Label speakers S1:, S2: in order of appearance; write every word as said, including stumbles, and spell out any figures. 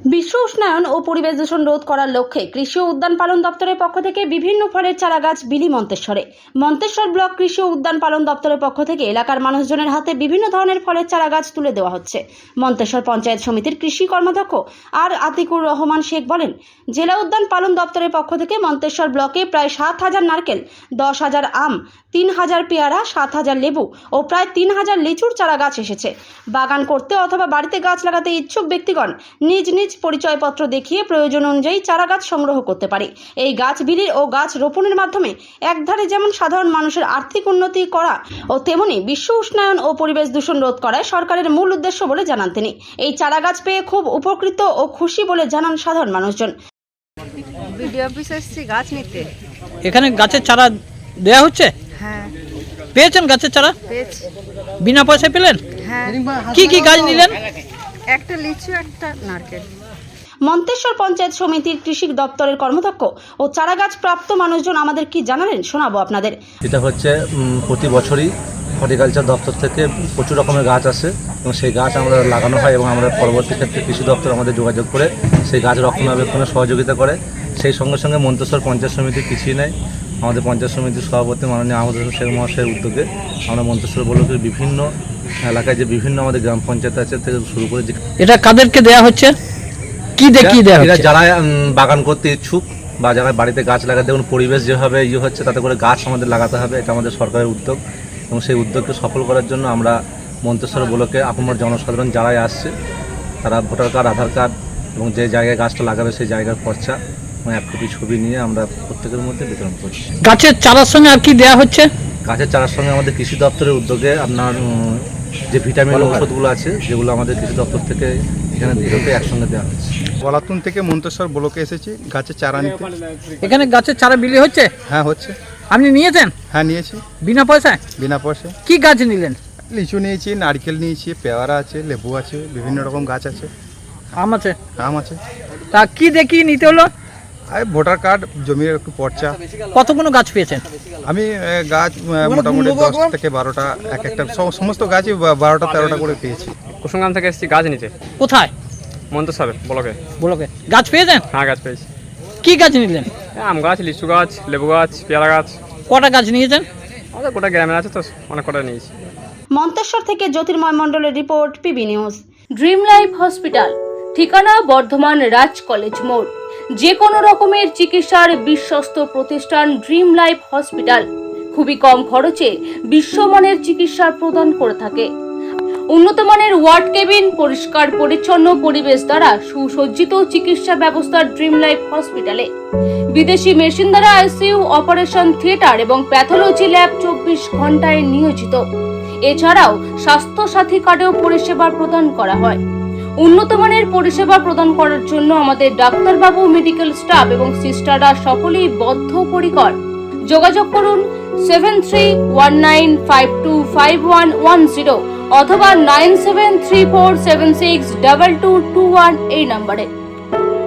S1: বিশ্ব উষ্ণায়ন ও পরিবেশ দূষণ রোধ করার লক্ষ্যে কৃষি ও উদ্যান পালন দপ্তরের পক্ষ থেকে বিভিন্ন ফলের চারাগাছ বিলি মন্তেশ্বরে। মন্তেশ্বর ব্লক কৃষি ও উদ্যান পালন দপ্তরের পক্ষ থেকে এলাকার মানুষজনের হাতে বিভিন্ন ধরনের ফলের চারাগাছ তুলে দেওয়া হচ্ছে। মন্তেশ্বর পঞ্চায়েত সমিতির কৃষি কর্মাধ্যক্ষ আর আতিকুর রহমান শেখ বলেন, জেলা উদ্যান পালন দপ্তরের পক্ষ থেকে মন্তেশ্বর ব্লকে প্রায় সাত হাজার নারকেল, দশ হাজার আম, তিন হাজার পেয়ারা, সাত হাজার লেবু ও প্রায় তিন হাজার লিচুর চারা গাছ এসেছে। বাগান করতে অথবা বাড়িতে গাছ লাগাতে ইচ্ছুক ব্যক্তিগণ নিজ নিজ পরিচয়পত্র দেখিয়ে প্রয়োজন অনুযায়ী চারা গাছ সংগ্রহ করতে পারে। এই গাছ বিলির ও গাছ রোপণের মাধ্যমে একধারে যেমন সাধারণ মানুষের আর্থিক উন্নতি করা ও তেমনি বিশ্ব উষ্ণায়ন ও পরিবেশ দূষণ রোধ করাই সরকারের মূল উদ্দেশ্য বলে জানান তিনি। এই চারা গাছ পেয়ে খুব উপকৃত ও খুশি বলে জানান সাধারণ মানুষজন।
S2: ভিডিও অফিস এসেছি গাছ নিতে।
S3: এখানে গাছের চারা দেয়া হচ্ছে?
S2: হ্যাঁ,
S3: পেয়েছেন গাছের চারা?
S2: পেয়েছি।
S3: বিনা পয়সায় পেলেন?
S2: হ্যাঁ।
S3: কি কি গাছ নিলেন?
S2: একটা লিচু, একটা নারকেল।
S1: মন্তেশ্বর পঞ্চায়েত সমিতির কৃষি দপ্তরের কর্মদক্ষ ও চারা গাছ প্রাপ্ত মানুষজন আমাদের কি জানালেন শোনাবো আপনাদের।
S4: এটা হচ্ছে প্রতি বছরই হর্টিকালচার দপ্তর থেকে প্রচুর রকমের গাছ আসে এবং সেই গাছ আমরা লাগানো হয় এবং আমরা পরবর্তী ক্ষেত্রে কৃষি দপ্তর আমাদের যোগাযোগ করে সেই গাছ রক্ষণাবেক্ষণে সহযোগিতা করে। সেই সঙ্গে সঙ্গে মন্তেশ্বর পঞ্চায়েত সমিতি পিছিয়ে নেয়। আমাদের পঞ্চায়েত সমিতির সভাপতি মাননীয় আহমদ হোসেন শেখ মহাশয়ের উদ্যোগে আমরা মন্তেশ্বর ব্লকের বিভিন্ন এলাকায় যে বিভিন্ন আমাদের গ্রাম পঞ্চায়েত আছে থেকে শুরু করে যে
S3: এটা কাদেরকে দেয়া হচ্ছে? কি দেখি দেয়া
S4: এরা
S3: হচ্ছে?
S4: যারা বাগান করতে ইচ্ছুক বা যারা বাড়িতে গাছ লাগাতে, দেখুন পরিবেশ যেভাবে ইয়ে হচ্ছে তাতে করে গাছ আমাদের লাগাতে হবে, এটা আমাদের সরকারের উদ্যোগ এবং সেই উদ্যোগকে সফল করার জন্য আমরা মন্তেশ্বর ব্লকে আপনার জনসাধারণ যারাই আসছে তারা ভোটার কার্ড, আধার কার্ড এবং যে জায়গায় গাছটা লাগাবে সেই জায়গার খরচা এবং এক কপি ছবি নিয়ে আমরা প্রত্যেকের মধ্যে বিতরণ করছি।
S3: গাছের চারার সঙ্গে আর কি দেয়া হচ্ছে?
S4: গাছের চারার সঙ্গে আমাদের কৃষি দপ্তরের উদ্যোগে আপনার উম, যে ভিটামিন ওষুধগুলো আছে যেগুলো আমাদের কৃষি দপ্তর থেকে এখানে দিতে একসঙ্গে দেওয়া হচ্ছে।
S5: গলাতুন থেকে মন্তেশ্বর ব্লকে এসেছি গাছের চারা নিতে।
S3: এখানে গাছের চারা বিলি হচ্ছে?
S5: হ্যাঁ হচ্ছে।
S3: আপনি নিয়েছেন?
S5: হ্যাঁ নিয়েছি।
S3: বিনা পয়সায়?
S5: বিনা পয়সায়।
S3: কি গাছ নিলেন?
S5: লিচু নিয়েছি, নারকেল নিয়েছি, পেয়ারা আছে, লেবু আছে, বিভিন্ন রকম গাছ আছে,
S3: আম আছে?
S5: আম আছে।
S3: তা কি দেখি নিতে হলো?
S5: আর ভোটার কার্ড, জমির একটু পর্চা।
S3: কতগুলো গাছ পেয়েছেন?
S5: আমি এ, গাছ এ, মোটামুটি দশ থেকে বারোটা, এক একটা সম- সমস্ত গাছই বা- বারোটা তেরোটা করে পেয়েছি।
S6: কুসুমগ্রাম থেকে এসেছি গাছ নিতে।
S3: কোথায়?
S6: মন্তেশ্বরে ব্লকে।
S3: বলোকে গাছ পেয়েছেন?
S6: হ্যাঁ গাছ পেয়েছি।
S3: কি গাছ নিলেন?
S6: এই আম গাছ, লিচু গাছ, লেবু গাছ, পেয়ারা গাছ।
S3: কটা গাছ নিয়েছেন?
S6: আমাদের গোটা গ্রামে আছে তো অনেক কটা নিয়েছি।
S1: মন্তেশ্বর থেকে জ্যোতির্ময় মণ্ডলের report, PB news.
S7: Dream life hospital, ঠিকানা বর্ধমান রাজ কলেজ মোড়। যে কোনো রকমের চিকিৎসার বিশ্বস্ত প্রতিষ্ঠান ড্রিম লাইফ হসপিটাল খুবই কম খরচে বিশ্বমানের চিকিৎসা প্রদান করে থাকে। উন্নত মানের ওয়ার্ড কেবিন, পরিষ্কার পরিচ্ছন্ন পরিবেশ দ্বারা সুসজ্জিত চিকিৎসা ব্যবস্থা ড্রিম লাইফ হসপিটালে। বিদেশি মেশিন দ্বারা আইসিইউ, অপারেশন থিয়েটার এবং প্যাথোলজি ল্যাব চব্বিশ ঘন্টায় নিয়োজিত। এছাড়াও স্বাস্থ্য সাথী কার্ডেও পরিষেবা প্রদান করা হয়। উন্নত মানের পরিষেবা প্রদান করার জন্য আমাদের ডাক্তারবাবু, মেডিকেল স্টাফ এবং সিস্টাররা সকলেই বদ্ধপরিকর। যোগাযোগ করুন seven three one nine five two five one one zero অথবা nine seven three four seven six double two two one এই নম্বরে।